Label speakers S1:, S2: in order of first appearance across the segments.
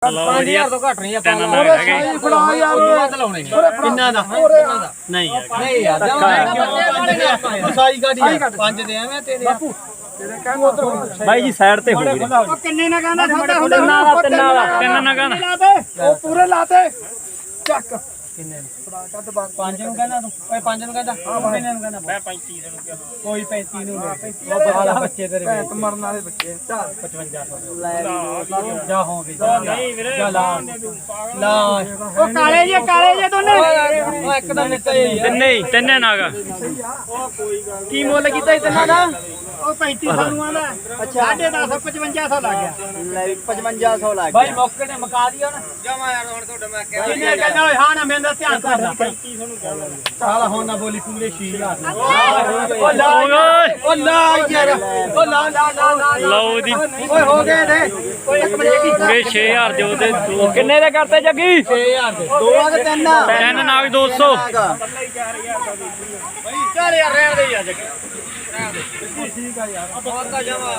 S1: 5000 ਤੋਂ ਘੱਟ ਨਹੀਂ ਆਪਾਂ ਕਿੰਨਾ ਦਾ ਨਹੀਂ ਯਾਰ ਸਾਈ ਗਾੜੀ 5 ਦੇ ਐਵੇਂ ਤੇਰੇ ਬਾਪੂ
S2: ਬਾਈ ਜੀ ਸਾਈਡ ਤੇ ਹੋ ਗਏ
S3: ਕਿੰਨੇ ਨਾ ਕਹਿੰਦਾ ਸੌਦਾ ਹੁੰਦਾ
S2: ਤਿੰਨ ਨਾ ਕਹਿੰਦਾ
S3: ਉਹ ਪੂਰੇ ਲਾਤੇ ਚੱਕ
S1: ਕਿੰਨੇ ਪੰਜ ਨੂੰ ਕਹਿੰਦਾ ਤੂੰ ਓਏ ਪੰਜ ਨੂੰ ਕਹਿੰਦਾ ਕਿੰਨੇ ਨੂੰ ਕਹਿੰਦਾ ਮੈਂ 35 ਨੂੰ ਕਿਹਾ ਕੋਈ 35 ਨੂੰ ਉਹ ਬਾਲਾ ਬੱਚੇ ਤੇਰੇ
S3: ਭੈਣ ਮਰਨ ਵਾਲੇ ਬੱਚੇ
S1: 5500 ਲੈ ਜਾ ਹੋਗੇ ਨਹੀਂ ਵੀਰੇ ਲਾ
S3: ਉਹ ਕਾਲੇ ਜੇ ਦੋਨੇ
S1: ਉਹ ਇੱਕਦਮ ਨਿਕਲ
S2: ਤਿੰਨੇ ਨਾਗਾ
S1: ਕੀ ਮੁੱਲ ਕੀਤਾ ਤਿੰਨਾਂ ਦਾ
S3: ਉਹ 3500 ਨੂੰ ਆਂਦਾ ਅੱਛਾ 10.5 5500 ਲੱਗ ਗਿਆ
S1: ਲੈ 5500 ਲੱਗ ਗਿਆ ਭਾਈ ਮੌਕੇ ਤੇ ਮੁਕਾ ਦਿਓ ਨਾ ਜਮਾ ਯਾਰ ਹੁਣ ਤੁਹਾਡਾ ਮੈਂ ਕਿਹਾ ਕਿੰਨੇ ਕਹਿੰਦਾ ਓਏ ਹਾਂ ਨਾ ਮੇਰਾ ਧਿਆਨ ਕਰ 3500 ਨੂੰ ਕਹਿ ਚੱਲ ਹੁਣ ਨਾ ਬੋਲੀ ਪੂਰੇ 6000 ਉਹ ਲਾ ਯਾਰ ਉਹ ਲਾ
S2: ਲਓ ਜੀ
S3: ਓਏ ਹੋ ਗਏ ਨੇ ਓਏ ਇੱਕ ਮਿੰਟ ਕੀ
S2: ਵੇ 6000 ਦਿਓ ਤੇ ਕਿੰਨੇ ਦੇ ਕਰਤੇ ਜੱਗੀ
S1: 6000 ਦੇ ਦੋ ਆ ਤੇ
S2: ਤਿੰਨ ਨਾਗ 200
S1: ਚੱਲ ਯਾਰ ਰਹਿਣ ਦੇ ਯਾਰ ਜੱਗੀ ਠੀਕ ਆ ਯਾਰ ਬਹੁਤ ਤਾਂ ਜਮਾ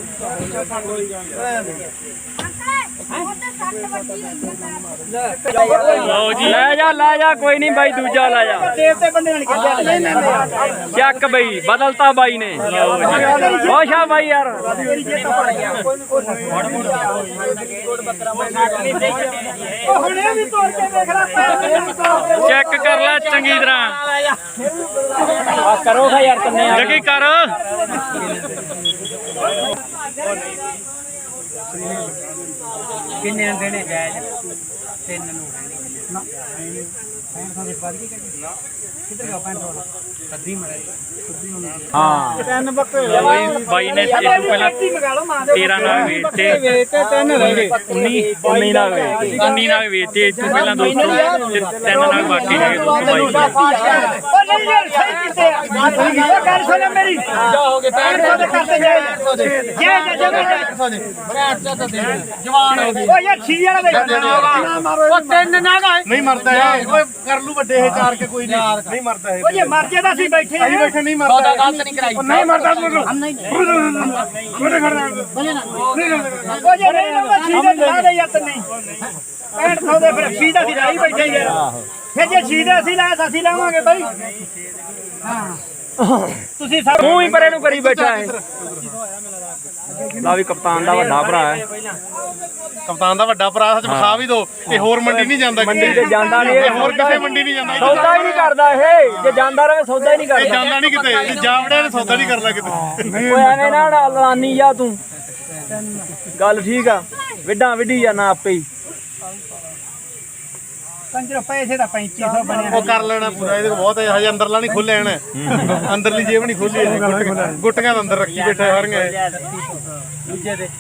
S2: ਲਓ ਜੀ ਲੈ ਜਾ ਕੋਈ ਨਹੀਂ ਬਾਈ ਦੂਜਾ ਲੈ ਜਾ
S3: ਦੇਵ ਤੇ ਬੰਦੇ ਨਾਲ ਕਿਹਾ
S2: ਚੱਕ ਬਈ ਬਦਲਤਾ ਬਾਈ ਨੇ ਖੁਸ਼ ਆ ਬਾਈ ਯਾਰ
S3: ਹੁਣੇ ਵੀ ਤੋੜ ਕੇ ਦੇਖ ਲੈ
S2: ਚੈੱਕ ਕਰ ਲੈ ਚੰਗੀ ਤਰ੍ਹਾਂ
S1: ਕਰੋਗਾ ਯਾਰ ਤੰਨੇ
S2: ਜੱਗੀ ਕਰ
S1: ਕਿੰਨੇ ਦੇਣੇ ਜਾਇਜ਼ ਤਿੰਨ ਨੂੰ ਨਾ ਕਿੱਧਰ ਗਿਆ 500 ਅੱਧੀ ਮਰੇ
S2: ਹਾਂ
S3: ਤਿੰਨ ਬੱਕਰੇ
S2: ਬਾਈ ਨੇ ਇਸ ਤੋਂ ਪਹਿਲਾਂ 13 ਨਾਲ ਵੇਚਤੇ
S3: ਤਿੰਨ ਰਹਿ ਗਏ
S2: 19 ਨਾਲ ਵੇਚਤੇ 19 ਨਾਲ ਵੇਚਤੇ ਇਸ ਤੋਂ ਪਹਿਲਾਂ 200 ਤੇ 3 ਨਾਲ ਬਾਕੀ ਹੈਗੇ 222
S3: ਉਹ ਨਹੀਂ ਯਾਰ ਸਹੀ ਕਿਤੇ ਉਹ ਗੱਲ ਸੁਣ ਮੇਰੀ
S1: ਜਾ ਹੋ ਗਏ
S3: 500 ਦੇ ਕਰਤੇ
S1: ਜਵਾਨ ਹੋ ਗਈ
S3: ਉਹ ਯਾਰ ਛੀ ਵਾਲਾ ਦੇ
S1: ਉਹ ਤਿੰਨ ਨਾ ਗਏ
S4: ਨਹੀਂ ਮਰਦਾ ਹੈ ਓਏ ਕਰ ਲੂ ਵੱਡੇ ਇਹ ਚਾਰ ਕੇ ਕੋਈ ਨਹੀਂ ਮਰਦਾ ਹੈ
S3: ਉਹ ਜੇ ਮਰ ਜੇ ਤਾਂ ਅਸੀਂ ਬੈਠੇ
S4: ਅਸੀਂ
S3: ਹਾਂ
S4: ਬੈਠੇ ਨਹੀਂ
S1: ਸੌਦਾ
S4: ਮਰਦਾ
S1: ਗਲਤ ਨਹੀਂ ਕਰਾਈ
S4: ਨਹੀਂ ਮਰਦਾ ਤੂੰ
S3: ਉਹ ਜੇ ਨਹੀਂ ਲਾਉਂਦਾ ਛੀ ਦੇ ਲਾ ਦੇ ਯਾਰ ਨਹੀਂ 6500 ਦੇ ਫਿਰ ਛੀ ਦਾ ਅਸੀਂ ਲਾਈ ਬੈਠੇ ਯਾਰ ਫਿਰ ਜੇ ਛੀ ਦੇ ਅਸੀਂ ਲਾਇਆ ਅਸੀਂ ਲਾਵਾਂਗੇ ਬਾਈ ਹਾਂ ਤੁਸੀਂ ਸਭ
S2: ਤੂੰ ਹੀ ਪਰੇ ਨੂੰ ਕਰੀ ਬੈਠਾ ਹੈ ਲਾ ਵੀ ਕਪਤਾਨ ਦਾ ਵੱਡਾ ਭਰਾ ਹੈ
S4: ਕਪਤਾਨ ਦਾ ਵੱਡਾ ਭਰਾ ਸੱਚ ਵਿਖਾ ਵੀ ਦੋ ਇਹ ਹੋਰ ਮੰਡੀ ਨਹੀਂ ਜਾਂਦਾ
S2: ਮੰਡੀ ਤੇ ਜਾਂਦਾ ਨਹੀਂ
S4: ਇਹ ਹੋਰ ਕਿਸੇ ਮੰਡੀ ਨਹੀਂ ਜਾਂਦਾ
S2: ਸੌਦਾ ਹੀ ਨਹੀਂ ਕਰਦਾ ਇਹ ਜੇ ਜਾਂਦਾ ਰਹੇ ਸੌਦਾ ਹੀ ਨਹੀਂ
S4: ਇਹ
S2: ਕਰਦਾ
S4: ਜਾਂਦਾ ਨਹੀਂ ਕਿਤੇ ਇਹ ਜਾਵੜਿਆ ਨੇ ਸੌਦਾ ਨਹੀਂ ਕਰਨਾ ਕਿਤੇ
S2: ਓਏ ਐਵੇਂ ਨਾ ਲਾਨੀ ਜਾ ਤੂੰ ਗੱਲ ਠੀਕ ਆ ਵਿੱਢਾਂ ਵਿੱਢੀ ਜਾਣਾ ਆਪੇ ਹੀ
S3: ਕੰਜਰ ਪੈਸੇ ਦਾ 3500 ਬਣਿਆ
S4: ਉਹ ਕਰ ਲੈਣਾ ਪੂਰਾ ਇਹਦੇ ਕੋਲ ਬਹੁਤ ਹੈ ਹਜੇ ਅੰਦਰਲਾ ਨਹੀਂ ਖੋਲਿਆ ਇਹਨੇ ਅੰਦਰਲੀ ਜੇਬ ਨਹੀਂ ਖੋਲੀ ਗੁੱਟੀਆਂ ਦੇ ਅੰਦਰ ਰੱਖੀ ਬੈਠਾ ਸਾਰੀਆਂ
S1: ਦੂਜੇ ਦੇ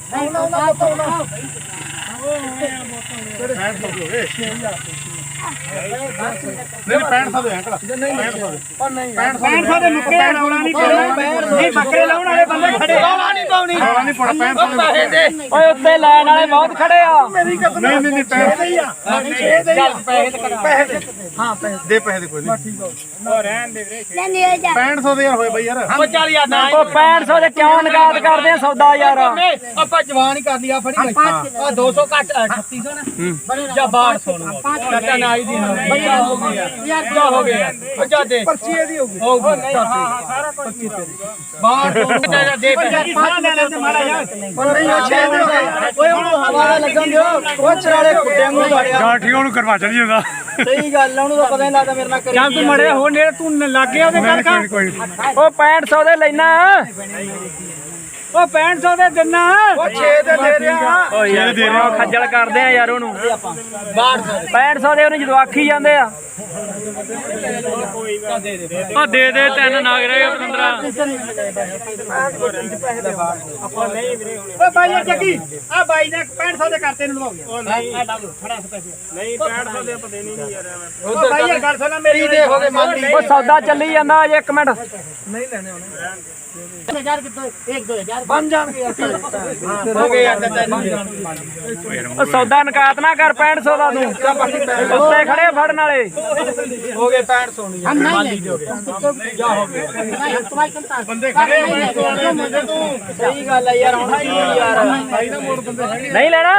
S4: ਨਹੀਂ 6500 ਦੇ ਅੰਕਲ
S3: 6500 ਦੇ ਮੁੱਕੇ ਰੌਲਾ ਨਹੀਂ ਪਾਉਣਾ ਨਹੀਂ ਬੱਕਰੇ ਲਾਉਣ ਵਾਲੇ ਬੰਦੇ ਖੜੇ
S1: ਰੌਲਾ ਨਹੀਂ ਪਾਉਣੀ
S4: ਰੌਲਾ ਨਹੀਂ ਪਾਉਣਾ 6500
S1: ਪੈਸੇ ਦੇ
S2: ਓਏ ਉੱਤੇ ਲੈਣ ਵਾਲੇ ਬਹੁਤ ਖੜੇ ਆ
S4: ਨਹੀਂ ਪੈਸੇ
S1: ਚੱਲ ਪੈਸੇ ਤੇ
S3: ਪੈਸੇ
S4: ਹਾਂ ਪੈਸੇ ਦੇ ਪੈਸੇ ਦੇ ਕੋਈ ਨਹੀਂ
S3: ਉਹ ਰਹਿਣ ਦੇ ਵੀਰੇ
S4: 6500 ਦੇ ਯਾਰ ਹੋਏ ਬਈ ਯਾਰ
S1: ਉਹ ਚੱਲ ਯਾਰ ਨਾ
S2: ਉਹ 6500 ਦੇ ਕਿਉਂ ਨਗਾਦ ਕਰਦੇ ਆ ਸੌਦਾ ਯਾਰ
S1: ਆਪਾਂ ਜਵਾਨ ਹੀ ਕਰ ਲਿਆ ਫੜੀ ਆ 200 ਘੱਟ 3600 ਨਾ ਜਾਂ 1200 ਨੂੰ ਚਾਚਾ ਨਾ ਆਈ ਦੀ ਬੱਚਾ ਹੋ ਗਿਆ ਯਾਰ ਜਾ ਹੋ ਗਿਆ ਬੱਚਾ ਦੇ
S3: ਪਰਚੀ ਇਹਦੀ ਹੋਊਗੀ
S1: ਹੋ ਗਈ ਹਾਂ ਸਾਰਾ ਕੁਝ 1200 ਦੇ ਪੈਸੇ
S3: ਸਾਹ ਲੈ ਲੈਂਦੇ ਮਾੜਾ ਯਾਰ
S4: ਉਹ ਨਹੀਂ ਉਹ 6 ਦੇ
S1: ਓਏ ਹੁਣ ਹਵਾਲਾ ਲੱਗਣ ਦਿਓ ਉਹ ਚਰਾਲੇ ਕੁੱਟਿਆਂ ਨੂੰ ਵੜਿਆ
S4: ਗਾਠੀਆਂ ਨੂੰ ਕਰਵਾ ਚੜੀ ਜਾਂਦਾ
S1: ਸਹੀ ਗੱਲ ਉਹਨੂੰ ਤਾਂ ਪਤਾ ਨਹੀਂ ਲੱਗਦਾ ਮੇਰੇ ਨਾਲ ਕਰੀ
S3: ਜਾਂ ਤੂੰ ਮੜੇ ਹੋ ਨੇੜੇ ਤੂੰ ਲੱਗ ਗਿਆ ਉਹਦੇ ਗੱਲ ਕਰ
S2: ਉਹ 6500 ਦੇ ਲੈਣਾ
S3: ਉਹ 6500 ਦੇ ਦਿਨਾ
S1: ਉਹ 6 ਦੇ ਦੇ ਰਿਹਾ
S2: ਓ ਯਾਰ ਖੱਜਲ ਕਰਦੇ ਆ ਯਾਰ ਉਹਨੂੰ
S1: 1200
S2: 6500 ਦੇ ਉਹਨੂੰ ਜਦੋਂ ਆਖੀ ਜਾਂਦੇ ਆ ਆ ਦੇ ਤਿੰਨ ਨਾਗ ਰਹੇ ਪਤੰਦਰਾ
S3: ਓ ਬਾਈ ਇਹ ਚੱਕੀ ਆ ਬਾਈ ਨੇ 6500 ਦੇ ਕਰਤੇ ਨੂੰ ਲਵਾਓ ਖੜਾ ਪੈਸੇ
S4: ਨਹੀਂ 6500 ਦੇ ਆਪਾਂ ਦੇਣੀ ਨਹੀਂ ਯਾਰ
S3: ਓ ਬਾਈ ਇਹ ਗੱਲ ਸੁਣਾ ਮੇਰੀ
S1: ਦੇ ਹੋ ਗਏ ਮੰਨ ਲਈ
S2: ਉਹ ਸੌਦਾ ਚੱਲੀ ਜਾਂਦਾ ਅਜੇ 1 ਮਿੰਟ
S3: ਬਣ ਜਾਣਗੇ
S1: ਹੋ ਗਏ ਯਾਰ
S2: ਉਹ ਸੌਦਾ ਨਕਾਤ ਨਾ ਕਰ 6500 ਦਾ ਤੂੰ ਉੱਤੇ ਖੜੇ ਫੜਨ ਵਾਲੇ
S1: हो गए 65 सोनी माली हो गए जा हो गए
S4: ਬੰਦੇ ਖੜੇ
S1: सही गल है यार हुन की यार
S4: ਭਾਈ ਨਾ ਮੋੜ ਬੰਦੇ ਹੈਗੇ
S2: ਨਹੀਂ ਲੈਣਾ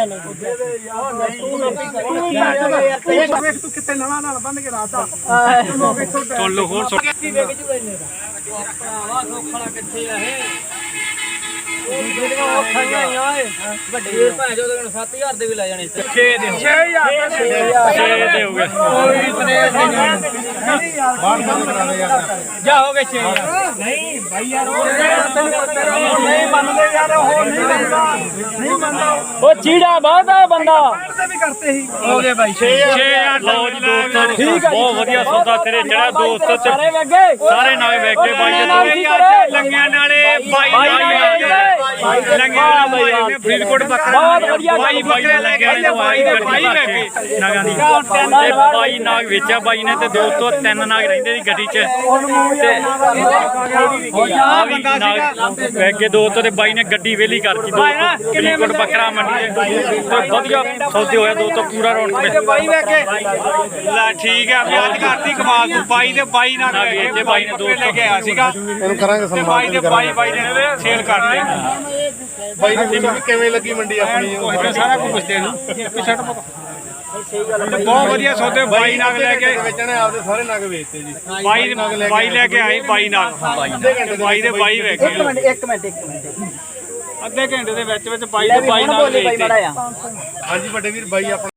S3: ਵੇਖ ਤੂੰ ਕਿੱਥੇ ਨਵਾਂ ਨਾਲ ਬੰਨ ਕੇ ਰਾਤਾ
S2: ਸੁਣ ਲਓ ਹੋਰ ਸੁਣ
S1: ਭਰਾਵਾ ਸੋਖਲਾ ਕਿੱਥੇ ਆ ਇਹ ਜਿਹੜੀਆਂ ਔਖਾਈਆਂ ਆਈਆਂ ਓਏ ਵੱਡੇ ਭਾਂ ਜੋ 7000 ਦੇ ਵੀ ਲੈ ਜਾਣੇ 6 ਦੇ 6000
S2: 6 ਦੇ ਹੋ ਗਏ
S1: ਕੋਈ ਬਨੇਸ਼
S4: ਬਾਹਰ ਬੰਦ ਕਰਾ ਦੇ ਯਾਰ
S1: ਜਾ ਹੋ ਗਏ 6
S3: ਨਹੀਂ ਭਾਈ ਯਾਰ ਨਹੀਂ ਮੰਨਦੇ ਯਾਰ ਉਹ ਨਹੀਂ ਮੰਨਦਾ
S2: ਉਹ ਚੀੜਾ ਬਹੁਤ ਆ ਬੰਦਾ
S3: ਤੇ ਵੀ ਕਰਤੇ ਸੀ
S1: ਹੋ ਗਏ ਬਾਈ
S2: 6000 ਲਓ ਜੀ ਦੋਸਤੋ ਬਹੁਤ ਵਧੀਆ ਸੌਦਾ ਤੇਰੇ ਜਿਹੜਾ ਦੋਸਤ
S1: ਸਾਰੇ ਵੇਖ ਗਏ
S2: ਸਾਰੇ ਨਾਲੇ ਵੇਖ ਕੇ ਬਾਈ ਦੇ ਲੰਗਿਆਂ ਨਾਲੇ ਬਾਈ ਲੰਗਿਆਂ ਬਾਈ ਨੇ ਫਰੀਦਕੋਟ ਬੱਕਰਾ ਬਹੁਤ ਵਧੀਆ ਬਾਈ ਬੱਕਰੇ ਲੈ ਕੇ ਆਏ ਨੇ ਬਾਈ ਗੱਡੀ ਭਰ ਕੇ ਨਾਗਾਂ ਦੀ ਤੇ ਬਾਈ ਨਾਗ ਵੇਚਿਆ ਬਾਈ ਨੇ ਤੇ ਦੋਸਤੋ 3 ਨਾਗ ਰਹਿੰਦੇ ਸੀ ਗੱਡੀ 'ਚ ਤੇ ਆ ਵੀ ਨਾਗ ਵੇਖ ਕੇ ਦੋਸਤੋ ਤੇ ਬਾਈ ਨੇ ਗੱਡੀ ਵੇਲੀ ਕਰਤੀ ਦੋਸਤੋ ਫਰੀਦਕੋਟ ਬੱਕਰਾ ਮੰਡੀ ਤੇ ਵਧੀਆ ਸੌਦੇ ਹੋਇਆ ਦੋਸਤੋ ਪੂਰਾ ਰੌਣਕ ਵਿੱਚ
S1: ਬਾਈ ਵੇਖ ਕੇ
S5: ਲੈ ਠੀਕ ਆ ਵਿਆਜ ਕਰਤੀ ਕਮਾਲ ਤੂੰ ਬਾਈ ਦੇ ਬਾਈ ਨਾਲ
S2: ਵੇਚੇ ਬਾਈ ਨੇ
S5: ਬੱਕਰੇ ਲੈ ਕੇ ਆਇਆ ਸੀਗਾ
S4: ਇਹਨੂੰ ਕਰਾਂਗੇ
S5: ਤੇ
S4: ਸਨਮਾਨ
S5: ਬਾਈ ਦੇ ਬਾਈ ਨੇ ਸੇਲ ਕਰਤੇ
S4: ਬਾਈ ਨੂੰ ਪੁੱਛੋ ਵੀ ਕਿਵੇਂ ਲੱਗੀ ਮੰਡੀ ਆਪਣੀ
S5: ਉਹ ਸਾਰਾ ਕੁਝ ਪੁੱਛਦੇ ਨੂੰ ਪਿਛੜ ਬਹੁਤ ਵਧੀਆ ਸੌਦੇ ਬਾਈ ਨਾਲ ਲੈ ਕੇ
S4: ਵੇਚਣੇ ਆਪਦੇ ਸਾਰੇ ਨਗ ਵੇਚਤੇ ਜੀ
S5: ਬਾਈ ਲੈ ਕੇ ਆਏ ਬਾਈ ਨਾਲ ਬਾਈ ਦੇ ਬਾਈ ਵੇਖ ਕੇ
S1: ਇੱਕ ਮਿੰਟ
S5: ਅੱਧੇ ਘੰਟੇ ਦੇ ਵਿੱਚ ਬਾਈ ਦੇ ਬਾਈ ਨਾਲ ਵੇਚਤੇ
S4: ਹਾਂਜੀ ਵੱਡੇ ਵੀਰ ਬਾਈ ਆਪਣਾ